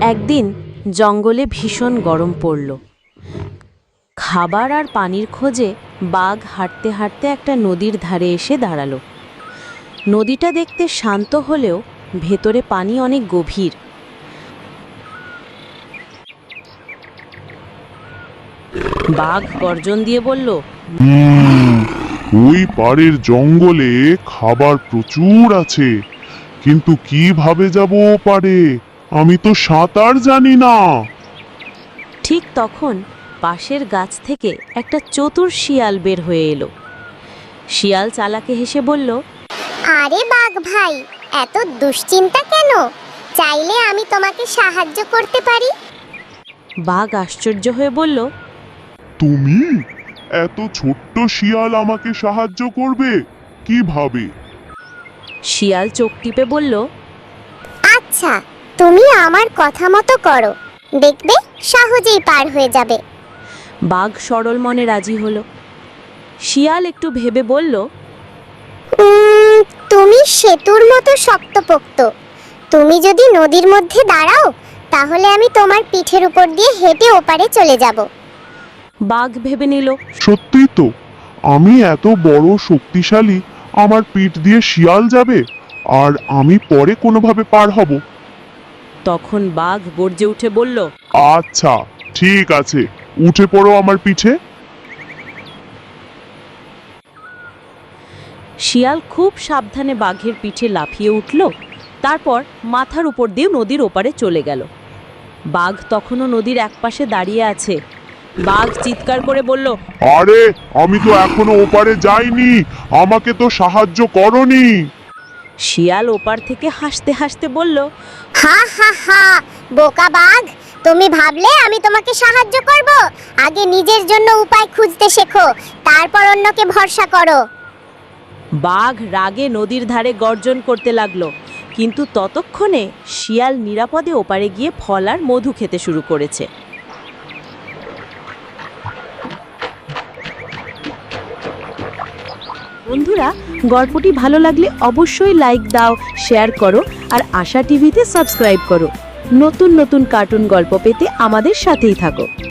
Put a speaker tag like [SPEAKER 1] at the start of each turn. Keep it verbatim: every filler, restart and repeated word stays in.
[SPEAKER 1] একদিন জঙ্গলে ভীষণ গরম পড়ল। খাবার আর পানির খোঁজে বাঘ হাঁটতে হাঁটতে একটা নদীর ধারে এসে দাঁড়ালো। নদীটা দেখতে শান্ত হলেও ভেতরে পানি অনেক গভীর। বাঘ গর্জন দিয়ে বলল,
[SPEAKER 2] হুম, ওই পাড়ের জঙ্গলে খাবার প্রচুর আছে, কিন্তু কিভাবে যাব ও পারে? আমি তো সাঁতার জানি না।
[SPEAKER 1] ঠিক তখন পাশের গাছ থেকে একটা চতুর শিয়াল বের হয়ে এলো। শিয়াল চালাকে হেসে বলল,
[SPEAKER 3] আরে বাঘ ভাই, এত দুশ্চিন্তা কেন? চাইলে আমি তোমাকে সাহায্য করতে পারি।
[SPEAKER 1] বাঘ আশ্চর্য হয়ে বলল,
[SPEAKER 2] তুমি? এত ছোট্ট শিয়াল আমাকে সাহায্য করবে কিভাবে?
[SPEAKER 1] শিয়াল চোখ টিপে বলল,
[SPEAKER 3] আচ্ছা, তুমি আমার কথা মতো করো, দেখবে সহজেই পার হয়ে যাবে।
[SPEAKER 1] বাঘ সরল মনে রাজি হলো। শিয়াল একটু ভেবে বলল,
[SPEAKER 3] উম, তুমি সেতুর মতো শক্তপোক্ত। তুমি যদি নদীর মধ্যে দাঁড়াও, তাহলে আমি তোমার পিঠের উপর দিয়ে হেঁটে ওপারে চলে যাব।
[SPEAKER 1] বাঘ ভেবে নিল।
[SPEAKER 2] সত্যি তো, আমি এত বড় শক্তিশালী, আমার পিঠ দিয়ে শিয়াল যাবে আর আমি পরে কোনোভাবে পার হব।
[SPEAKER 1] তখন বাঘ গর্জে উঠে বলল,
[SPEAKER 2] আচ্ছা ঠিক আছে, উঠে পড়ো আমার পিঠে।
[SPEAKER 1] শিয়াল খুব সাবধানে বাঘের পিঠে লাফিয়ে উঠল, তারপর মাথার উপর দিয়ে নদীর ওপারে চলে গেল। বাঘ তখনও নদীর একপাশে দাঁড়িয়ে আছে। বাঘ চিৎকার করে বলল,
[SPEAKER 2] আরে আমি তো এখনো ওপারে যাইনি, আমাকে তো সাহায্য করনি।
[SPEAKER 1] শিয়াল ওপার থেকে হাসতে হাসতে বলল,
[SPEAKER 3] হা হা হা, বোকা বাঘ, তুমি ভাবলে আমি তোমাকে সাহায্য করব? আগে নিজের জন্য উপায় খুঁজতে শেখো, তারপর অন্যকে ভরসা করো।
[SPEAKER 1] বাঘ রাগে নদীর ধারে গর্জন করতে লাগলো, কিন্তু ততক্ষণে শিয়াল নিরাপদে ওপারে গিয়ে ফল আর মধু খেতে শুরু করেছে। বন্ধুরা, গল্পটি ভালো লাগলে অবশ্যই লাইক দাও, শেয়ার করো আর আশা টিভিতে সাবস্ক্রাইব করো। নতুন নতুন কার্টুন গল্প পেতে আমাদের সাথেই থাকো।